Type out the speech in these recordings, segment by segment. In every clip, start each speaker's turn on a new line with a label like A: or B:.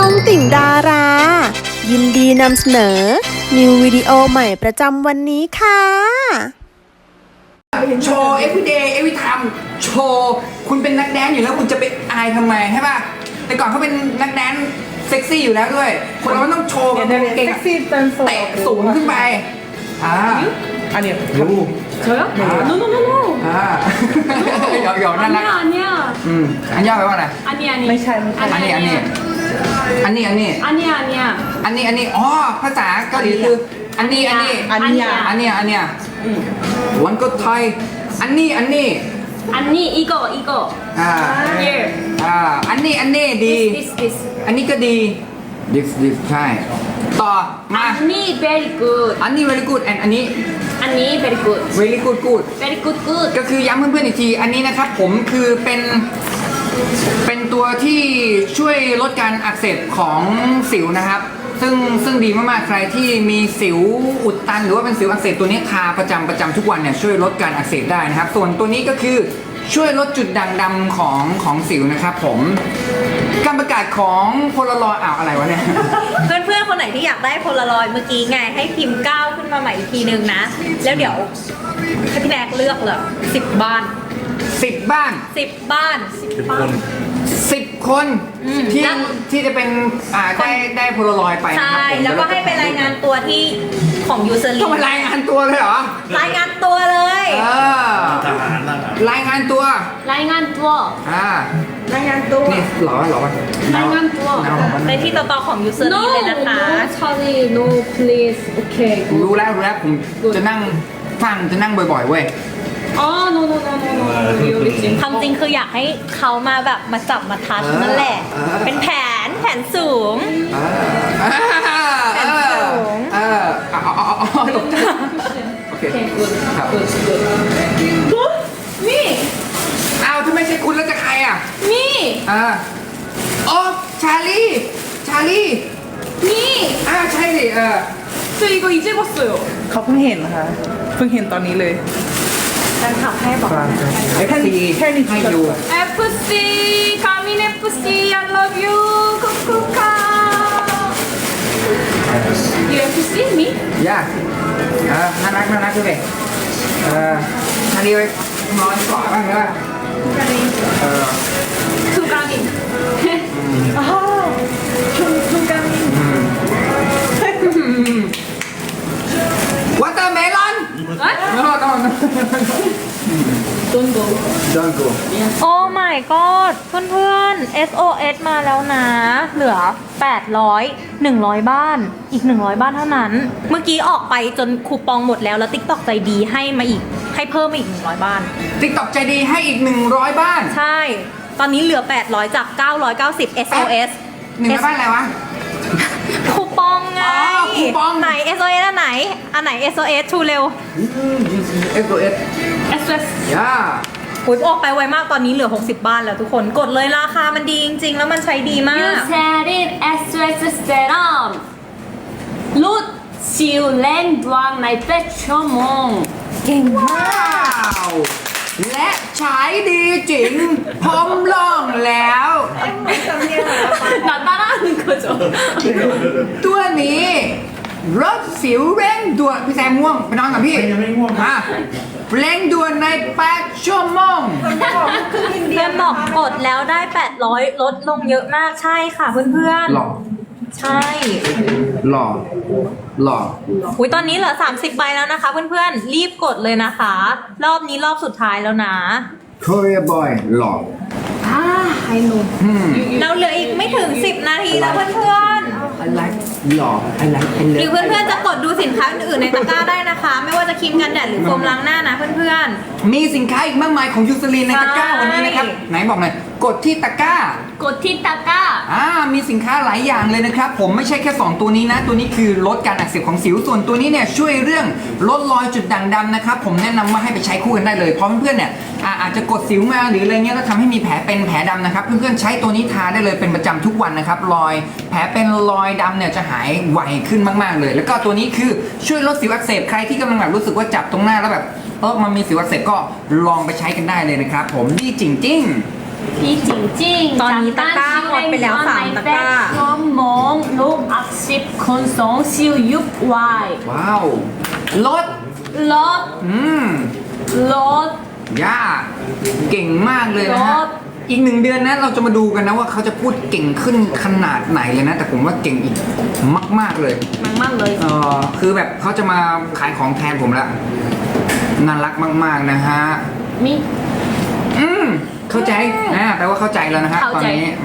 A: องติ่งดารา ยินดีนำเสนอ นิววิดีโอใหม่ประจำวันนี้ค่ะ
B: โชว์ everyday every time โชว์คุณเป็นนักแดนซ์อยู่แล้วคุณจะไปอายทำไมใช่ป่ะแต่ก่อนเขาเป็นนักแดนซ์เซ็กซี่อยู่แล้วด้วยคนเราต้องโชว์แบบเก่ง
C: 섹시 댄서
B: เตะสูงขึ้นไป
C: 아니요
B: 요
C: 저요? No no no no
B: หยอกน่ารัก
C: 아니야
B: อันย่อแปลว่าอะไร
C: 아니 아니
B: อันนี้อ๋อภาษาเกาหลีคืออันนี้วันก็ไทยอันนี้
C: 아니 이거
B: อ่า
C: here
B: อันนี้ดี
C: this
B: อันนี้ก็ดี this ใช่ต่อมา
C: 아니 very good
B: อันนี้ very good and อันนี้
C: 아니 very good
B: very good
C: very good good
B: ก็คือย้ำเพื่อนๆอีกทีอันนี้นะครับผมคือเป็นตัวที่ช่วยลดการอักเสบของสิวนะครับซึ่งดีมากๆใครที่มีสิวอุดตันหรือว่าเป็นสิวอักเสบตัวนี้ทาประจำทุกวันเนี่ยช่วยลดการอักเสบได้นะครับส่วนตัวนี้ก็คือช่วยลดจุดด่างดำของสิวนะครับผมการประกาศของโพลารอยอะไรวะเนี่ย
D: เพื่อนๆคนไหนที่อยากได้โพลารอยด์เมื่อกี้ไงให้พิมพ์ก้าวขึ้นมาใหม่อีกทีนึงนะ แล้วเดี๋ยวให้พี่แนกเลือกเลย10 บ้าน
B: 10 บ้าน
D: 10 บ้าน
B: 10 คนที่จะเป็นได้โพลารอยไปนะ
D: ใช่
B: ครับผม
D: แล้วก็ให้ไปรายงานตัวที่ของยูเซอร์ลี
B: ต้องมารายงานตัวเลยเหรอ
D: รายงานตัวเลย
B: รายงานตัว
C: 라잉한 투어
D: รายงานตัว
B: นี่หรอ
C: รายงานตัว
D: ในที่ต่อๆของยูเซอร์ลี
C: no
D: เลยนะคะ
C: no Charlie no please okay
B: รู้แล้วผมจะนั่งฟังจะนั่งบ่อยๆเว้ย
C: no really
D: ความจริงคืออยากให้เขามาแบบมาจับมาทัชนั่นแหละ เป็นแผนสูง
B: ตกใจโอเค ครับ
C: me
B: อ้าวถ้าไม่ใช่คุณแล้วจะใครอ่ะ
C: me
B: โอ้ชาลี
C: me
B: ใช่ดิ
C: 저 이거 이제 봤어요
E: เขาเพิ่งเห็นนะคะเพิ่งเห็นตอนนี้เลย
D: แฟนคลับให้บอก
B: FC ให้ดู
C: FC 가민 FC I love you 쿠쿠카 You FC me
B: ย่าน่ารักด้วยชาลีไปนอนกอดบ้างใช่ป่ะ
C: 투가민 투가민
B: วอเตอร์เมลอน
C: Don't go
B: Don't go
D: โอ้ my god เพื่อนๆ SOS มาแล้วนะ เหลือ 800 100 บ้าน อีก 100 บ้านเท่านั้น เมื่อกี้ออกไปจนคูปองหมดแล้ว แล้ว TikTok ใจดีให้เพิ่มมาอีก 100 บ้าน
B: TikTok ใจดีให้อีก100 บ้าน
D: ใช่ ตอนนี้เหลือ 800 จาก 990 SOS
B: 100 บ้านอะไรวะ
D: คูปองไง
B: คูปอง
D: ไหน SOS อันไหน SOS ชูเร็ว
B: SOS
C: SOS
B: ย่า
D: อุ๊ยออกไปไวมากตอนนี้เหลือ 60 บ้านแล้วทุกคนกดเลยราคามันดีจริงๆ แล้วมันใช้ดีมาก
C: You said it SOS serum 룻 시우 랭 두앙 나이 빼초몽
D: เก่งมาก
B: ว้าวและใช้ดีจริงพร้อมลองแล้ว
C: 나 따라하는 거죠
B: ตัวนี้รถสิวเร่งด่วนพี่แซมง่วงไปนอนกับพี่ยังไม่ง่วงเร่งด่วนใน8 ชั่วโมง
D: เพื่อนบอกกดแล้วได้ 800 ลดลงเยอะมากใช่ค่ะเพื่อนๆ
B: หล่อ
D: ใช่
B: หล่อ
D: อุ้ยตอนนี้เหลือ 30 ใบแล้วนะคะเพื่อนๆ รีบกดเลยนะคะ รอบนี้รอบสุดท้ายแล้วนะ
B: Korea boy หล่อ
C: I know
D: เราเหลืออีกไม่ถึง 10 นาทีแล้วเพื่อนๆ
B: I like หล่อ I like
D: หรือเพื่อนๆจะกดดูสินค้าอื่นๆในตะกร้าได้นะคะ ไม่ว่าจะครีมกันแดดหรือโฟมล้างหน้านะเพื่อน
B: มีสินค้าอีกมากมายของยูซลีนในตะกร้าวันนี้นะครับไหนบอกหน่อยกดที่ตะกร้า
C: 고티 따까
B: มีสินค้าหลายอย่างเลยนะครับผมไม่ใช่แค่2ตัวนี้นะตัวนี้คือลดการอักเสบของสิวส่วนตัวนี้เนี่ยช่วยเรื่องลดรอยจุดด่างดำนะครับผมแนะนำว่าให้ไปใช้คู่กันได้เลยเพราะเพื่อนๆเนี่ยอาจจะกดสิวมาหรืออะไรเงี้ยแล้วทำให้มีแผลเป็นแผลดำนะครับเพื่อนๆใช้ตัวนี้ทาได้เลยเป็นประจำทุกวันนะครับรอยแผลเป็นรอยดำเนี่ยจะหายไวขึ้นมากๆเลยแล้วก็ตัวนี้คือช่วยลดสิวอักเสบใครที่กำลังแบบรู้สึกว่าจับตรงหน้าแล้วแบบมันมีสิวอักเสบก็ลองไปใช้กันได้เลยนะครับผมดีจริงๆ
C: พี่จริงๆ
D: ตอนนี้ตะกร้าหมดไปแล้ว3 ตะกร้า
C: ชั่วโม 10콘 송시우 6와이
B: ว้าวลด
C: 롯
B: เ
C: 롯
B: ย่าเก่งมากเลยนะฮะ
C: รถ
B: อีก1 เดือนนะเราจะมาดูกันนะว่าเขาจะพูดเก่งขึ้นขนาดไหนเลยนะ แต่ผมว่าเก่งอีกมาก ๆเลย
C: 막막 너
B: คือแบบเขาจะมาขายของแทนผมแล้วน่ารักมากๆนะฮะ
C: 미
B: เข้าใจแปลว่าเข้าใจแล้วนะฮะตอน
C: เข้าใจ
B: นี้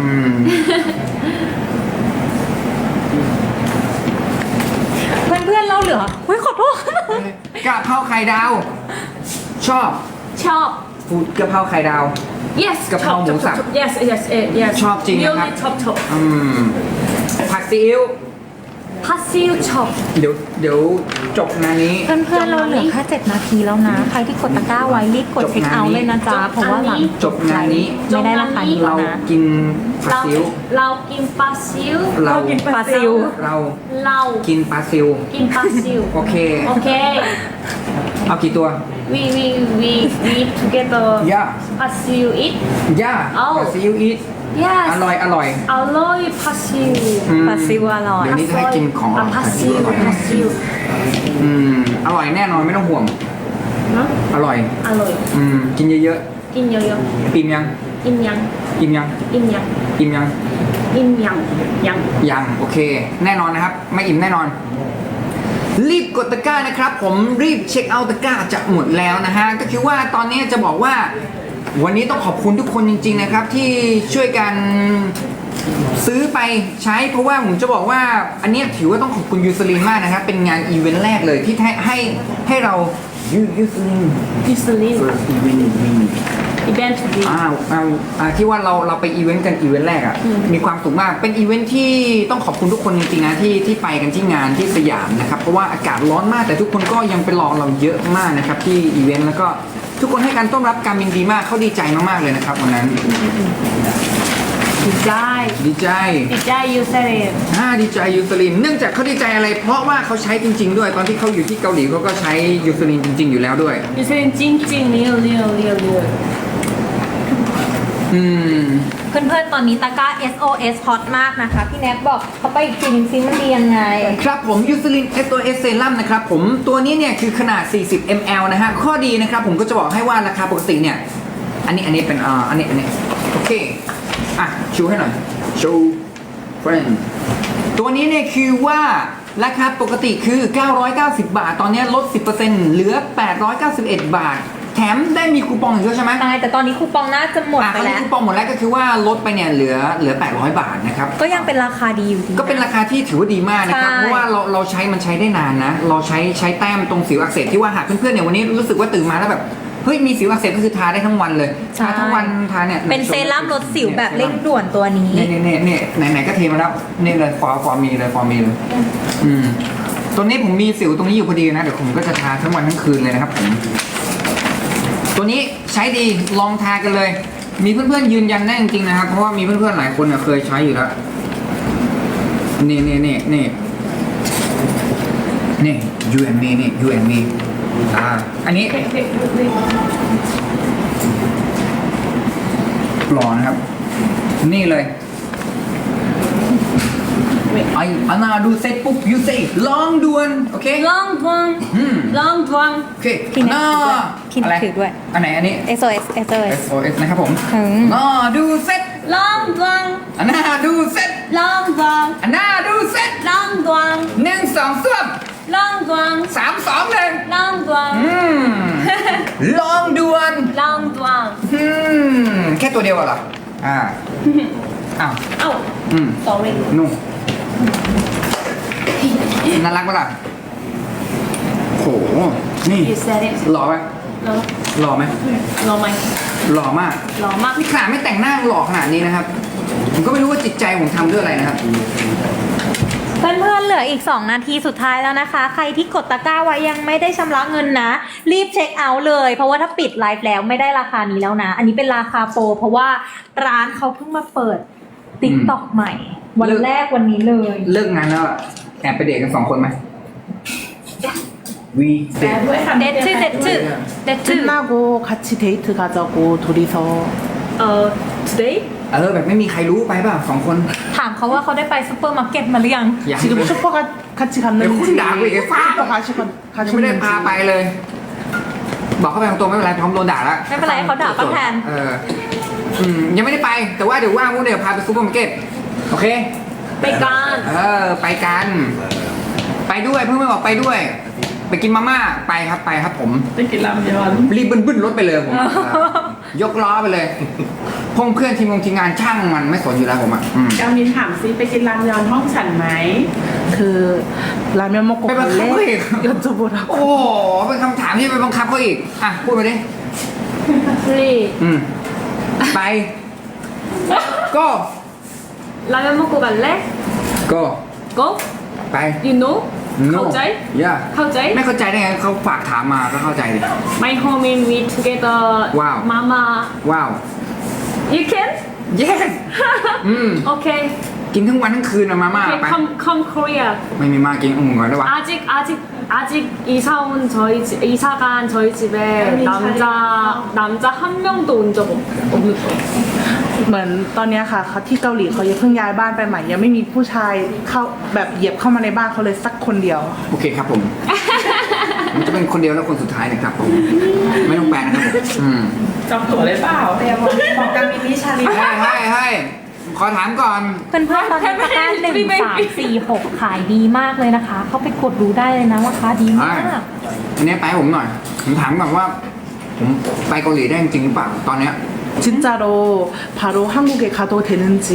D: เพื่อนๆเราเหลืออุ้ยขอโทษ
B: กะเพราไข่ดาว ชอบ
C: 첩
B: ฟูดกะเพราไข่ดาว
C: yes
B: กะเพราหมูสับ
C: yes yes yes
B: ชอบจริงนะครับ
C: really 첩
B: ผัดซีอิ๊ว
C: 파시우 첩
B: เดี๋ยวจบงานนี้
D: เพื่อนๆเราเหลือแค่7 นาทีแล้วนะ ใครที่กดตะกร้าไว้รีบกดเช็คเอาท์เลยนะจ๊ะ เพราะว่าหลัง
B: จบงานนี้
D: ไม่ได้ราคานี้แล้
B: เรา
D: วนะ
B: กินผัดซีอิ๊ว
C: 라우 낀 파시우
B: เรา
D: ปลาซิว
B: เรา
C: 라우
B: กินปลาซิว
C: 낀 파시우
B: โอเค
C: 오케이
B: เอากี่ตัว
C: we together
B: ย่า
C: 파시우 eat
B: ย่า
C: เอา
B: ปลาซิอิ๊วอีท
C: yes
B: อร่อย
C: 알로이 파시우
D: ปลาซิวอร่อย
B: เดี๋ยวนี้จะให้กินของอร่อย
C: 파시우 파시우
B: อร่อยแน่นอนไม่ต้องห่วง
C: 응?
B: อร่อย
C: 알로이
B: กินเยอะ
C: 낀 여여
B: ๆอิ่มยัง
C: 인양
B: อิ่มยัง
C: 인양
B: อิ่มยัง
C: 인양 양
B: ยังโอเค แน่นอนนะครับ ไม่อิ่มแน่นอน รีบกดตะกร้านะครับ ผมรีบเช็คเอาท์ตะกร้าจะหมดแล้วนะฮะก็คือว่าตอนนี้จะบอกว่า วันนี้ต้องขอบคุณทุกคนจริงๆนะครับ ที่ช่วยกันซื้อไปใช้เพราะว่าผมจะบอกว่าอันเนี้ยถือว่าต้องขอบคุณยูสลินมากนะครับ เป็นงานอีเวนต์แรกเลยที่ให้เรายูสลิน
C: 유슬린
B: อีเวนต์
C: 이벤트 비
B: ที่ว่าเราไปอีเวนต์กันอีเวนต์แรกอ่ะมีความสุขมากเป็นอีเวนต์ที่ต้องขอบคุณทุกคนจริงๆนะที่ไปกันที่งานที่สยามนะครับเพราะว่าอากาศร้อนมากแต่ทุกคนก็ยังไปรอเราเยอะมากนะครับที่อีเวนต์แล้วก็ทุกคนให้การต้อนรับการบินดีมากเขาดีใจมากๆเลยนะครับวันนั้น
C: 디자이
B: ดีใจ
C: 디자이 유슬린
B: ดีใจยูสลินเนื่องจากเขาดีใจอะไร เพราะว่าเขาใช้จริง ๆ ด้วยตอนที่เขาอยู่ที่เกาหลีเขาก็ใช้ยูสลินจริง ๆ อยู่แล้วด้วย
C: 유슬린 찡찡 리얼 리얼 리얼 리얼
D: เพื่อนๆ ตอนนี้ตะกร้า SOS ฮอตมากนะคะ พี่แน็กบอกเขาไปอีกทีนึงซิมันดียังไง
B: ครับผมยูสลิน SOS เซรั่มนะครับผมตัวนี้เนี่ยคือขนาด 40 ml นะฮะข้อดีนะครับผมก็จะบอกให้ว่าราคาปกติเนี่ยอันนี้เป็นอันนี้โอเคชูให้หน่อยชูเฟรนตัวนี้เนี่ยคือว่าราคาปกติคือ990 บาทตอนนี้ลด 10% เหลือ 891 บาทแถมได้มีคูปองอีกด้วยใช่ไหม
D: ใช่แต่ตอนนี้คูปองน่าจะหมดไป
B: ตอนนี้
D: แล้ว
B: คูปองหมดแล้วก็คือว่าลดไปเนี่ยเหลือ800 บาทนะครับ
D: ก็ยังเป็นราคาดีอยู่ดี
B: ก็เป็นราคาที่ถือว่าดีมากนะครับ
D: ใช่
B: เพราะว่าเราใช้มันใช้ได้นานนะ เราใช้แต้มตรงสิวอักเสบที่ว่าหากเพื่อนๆเนี่ยวันนี้รู้สึกว่าตื่นมาแล้วแบบเฮ้ยมีสิวอักเสบก็คือทาได้ทั้งวันเลยทาทั้งวันทาเนี่ย
D: เป็นเซรั่มลดสิวแบบเร่งด่วนตัวนี้
B: เนี่ยไหนๆก็เทมาแล้วนี่เลยฟอร์มีเลยตัวนี้ผมมีสิวตรงนี้อยู่พอดีนะเดี๋ยวผมก็จะทาทั้งวันทั้งคืนเลยนะครับผมตัวนี้ใช้ดีลองทากันเลย มีเพื่อนๆยืนยันได้จริงๆนะครับเพราะว่ามีเพื่อนๆหลายคนเคยใช้อยู่แล้วนี่you and me นี่ you and me อันนี้หล่อนะครับนี่เลยอันนาดูเสร็จปุ๊บ you say ลองด่วนโอเค
C: 롱두왕 롱두왕
B: โอเค
D: พี่แน็ก
B: อัน
D: ถือด้วย
B: อันไหนอันนี้
D: SOS
B: SOS นะครับผม ดูเสร็จ
C: 롱두왕
B: อันนาดูเสร็จ
C: 롱두왕
B: อันนาดูเสร็จ
C: 롱두왕
B: 1 2 3
C: 롱두왕
B: 3 2 1
C: 롱두왕
B: ลองด่วน
C: 롱두왕
B: แค่ตัวเดียวเหรออ้าว
C: 아우 sorry
B: นุ่มน่ารักปะล่ะโหนี่
C: you said it
B: หล่อไหม
C: 너
B: หล่อไหม
C: 너 마이
B: หล่อมาก
C: 너 막
B: นี่ขนาดไม่แต่งหน้าหล่อขนาดนี้นะครับ ผมก็ไม่รู้ว่าจิตใจผมทำด้วยอะไรนะครับ
D: เพื่อนๆ เหลืออีก 2 นาทีสุดท้ายแล้วนะคะ ใครที่กดตะกร้าไว้ยังไม่ได้ชำระเงินนะ รีบเช็คเอาท์เลย เพราะว่าถ้าปิดไลฟ์แล้วไม่ได้ราคานี้แล้วนะ อันนี้เป็นราคาโปรเพราะว่าร้านเขาเพิ่งมาเปิด TikTok ใหม่ วันแรกวันนี้เลย
B: เลิกงานแล้วอะแอบไปเดทกัน2 คนไหมวีเดท
D: เดทชื่อ
E: 끝나고 같이 데이트 가자고 둘이서
C: today
B: แบบไม่มีใครรู้ไปเปล่า2 คน
D: ถามเขาว่าเขาได้ไปซูเปอร์มาร์เก็ตมาหรือยัง
B: อยาก
E: 지금 슈퍼 같이
B: เดี๋ยวคุณ
E: 갔는지
B: ด่ากูอีกไอ้ฟ้า
E: 슈퍼
B: ยังไม่ได้พาไปเลย บอกเขาไปตรงๆไม่เป็นไรพร้อมโดนด่าแล้ว
D: ไม่เป็นไรเขาด่าป้าแทน
B: ยังไม่ได้ไป แต่ว่าเดี๋ยวว่างพวกเดี๋ยวพาไปซูเปอร์มาร์เก็ตโอเค
C: ไปกัน
B: ไปกัน ไปด้วยเพื่อนบอกไปด้วย ไปกินมาม่าไปครับผม
E: 땡기 라면
B: รีบบึ้นรถไปเลยผมยกล้อไปเลยพงเพื่อนทีมงานช่างมันไม่สนอยู่แล้วผมอ่ะ
F: กามินถามซิไปกินรามยอนห้องฉันไหม
E: 그 라면 먹고
B: ไปบังคับเขา
E: 갈래?
B: อีก
E: 여쭤보라고
B: โอ้โหเป็นคำถามที่ไปบังคับเขาอีกอ่ะพูดมาดิ
C: free
B: ไป ก็
C: 라면 먹고 갈래?
B: ก็
C: go
B: ไป
C: you know เข้าใจ
B: ย่า
C: เข้าใจ
B: ไม่เข้าใจได้ไงเขาฝากถามมาก็เข้าใจดิ
C: my home in we together
B: Wow.
C: mama
B: ว้าว
C: you can
B: yes
C: okay
B: กินทั้งวันทั้งคืนอะมาม่า
C: okay
B: ไป
C: come Korea
B: ไม่มีมากินก่อนได้วะ
C: 아직 이사 온 저희 집 이사 간 저희 집에 남자 한 명도 온 적 없는 거예요.
E: เหมือนตอนเนี้ยค่ะเขาที่เกาหลีเขายังเพิ่งย้ายบ้านไปใหม่ ยังไม่มีผู้ชายเข้าแบบเหยียบเข้ามาในบ้านเขาเลยสักคนเดียว
B: โอเคครับผมมันจะเป็นคนเดียวแล้วคนสุดท้ายนะครับผมไม่ต้องแปลนะครับผม
F: จองตั๋วเลยเปล่าแต่บอกกามินนิชาลี
B: ให้ขอถามก่อน
D: เพื่อนๆตอนนี้ตะกร้า1 3 4 6 ขายดีมากเลยนะคะ เข้าไปกดดูได้เลยนะว่าค้าดีมาก
B: อันนี้ไปให้ผมหน่อยผมถามก่อนว่า ผมไปเกาหลีได้จริงหรือเปล่าตอนเนี้ย
E: 진짜로 바로 한국에 가도 되는지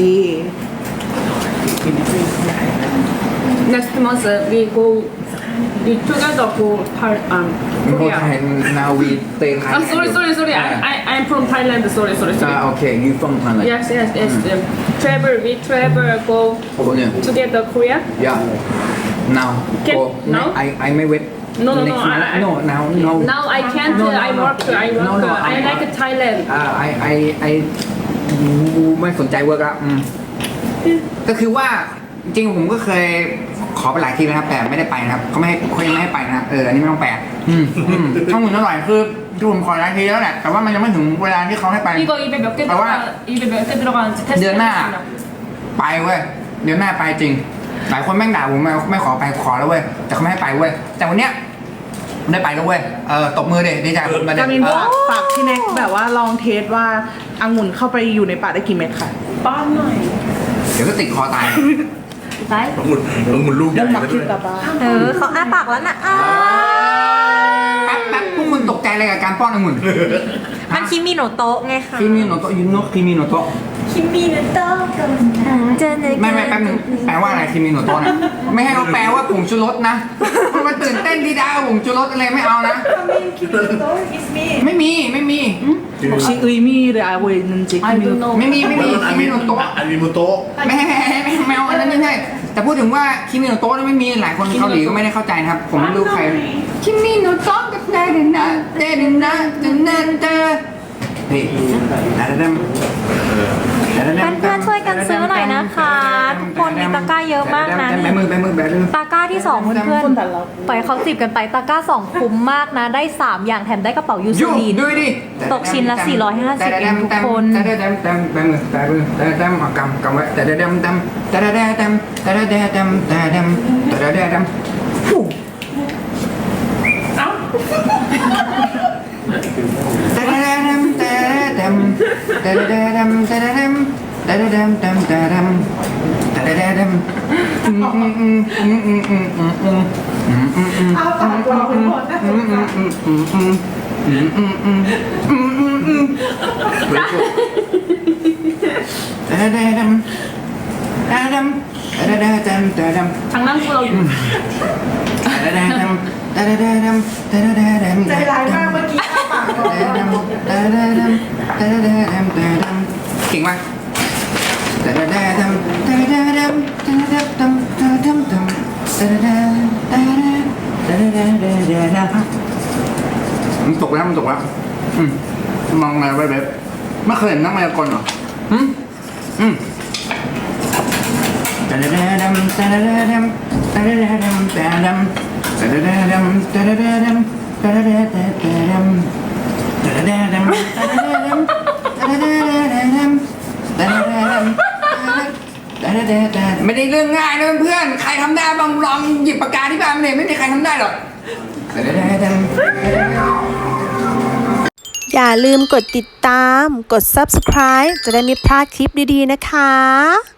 C: Next month we go we together go Korea.
B: ไทยนาวีเตยไทย
C: Sorry. I'm from Thailand. Sorry.
B: โอเคยูฟงไทยเลย
C: Yes. We travel go
B: โอ้โหเนี่ย
C: together Korea.
B: yeah now
C: Can-
B: go
C: now?
B: I ไม่เวท
C: No.
B: Next month. No now
C: Now I can't.
B: No,
C: I work.
B: No,
C: I like Thailand.
B: I ไม่สนใจเวิร์กแล้วก็คือว่าจริงๆผมก็เคยขอไปหลายทีนะครับแต่ไม่ได้ไปนะครับเขายังไม่ให้ไปนะครับอันนี้ไม่ต้องแปลข้อมูลอร่อยคือผมขอหลายทีแล้วแหละแต่ว่ามันยังไม่ถึงเวลาที่เขาให้ไป
C: 이거 입에 몇 개 들어가는지 테스트.
B: เดือนหน้าไปเว้ยเดือนหน้าไปจริง หลายคนแม่งด่าผมไม่ขอไปขอแล้วเว้ยแต่เขาไม่ให้ไปเว้ยแต่วันเนี้ยได้ไปแล้วเว้ยตบมือเด็ดีใจผมมาเด็
E: กามินฝากพี่แน็กแบบว่าลองเทสว่าองุ่นเข้าไปอยู่ในปากได้กี่เม็ดค่ะ
F: ป้อนหน่อย
B: เดี๋ยวก็ติดคอตาย
D: ได้
G: องุ่นลูกใหญ่
E: มัก
G: ซะด้
E: คิ
G: ว
E: ด
G: ย
E: ตาบ้า
D: เขาอ้าปากแล้วนะอ้า
B: แป๊บพวกมึงตกใจอะไรกับการป้อนองุ่น
D: มันคิมิโนโตะไงคะ
B: คิมิโนโตะยูโนะคิมิโนโตะ
D: เจอเลย
B: ไม่แป๊บนึงแปลว่าอะไรคิมิโนโตะนะไม่ให้เขาแปลว่าผงชูรสนะมันตื่นเต้นดีด้าผงชูรสอะไรไม่เอานะไม่มี
E: 혹시 의미를 알고 있는지
C: I don't know.
B: ไม่มี
G: อั
B: คิ
G: น
B: มิ
G: นี้
B: โนโตะ
G: อันนี้มุโตะ
B: แมวอันนั้นไม่ใช่แต่พูดถึงว่าคิมิโนโตะนี่ไม่มีหลายคนเกาหลีก็ไม่ได้เข้าใจนะครับ ผมไม่รู้ใครคิมิโนโตะกับเดนนะเดนนะเดนนะเดนี่เดน
D: เพื่อนๆช่วยกันซื้อหน่อยนะคะทุกคนมีตะกร้าเยอะมากนะ
B: แบมือ
D: ตะกร้าที่2เพื่อนๆปล่อยเขา10กันไปตะกร้า2คุ้มมากนะได้3อย่างแถมได้กระเป๋ายูซูลีน
B: ดูดิ
D: ตกชิ้นละ450เองทุกคน
B: แบมือกำไว้
F: เอาปากเราเป็นคนนะ
C: 장난꾸러기.
F: ใจร้ายมากเมื่อกี้อ้าปากก่อน
B: เก่งมากมันตกแล้วมองอะไรไว้แบบไม่เคยเห็นนักมายากลเหรอไม่ได้เรื่องง่ายนะเพื่อนๆใครทำได้บ้างลองหยิบปากกาที่บ้านมาเลยไม่มีใครทำได้หรอก
A: อย่าลืมกดติดตาม กด subscribe จะได้ไม่พลาดคลิปดีๆนะคะ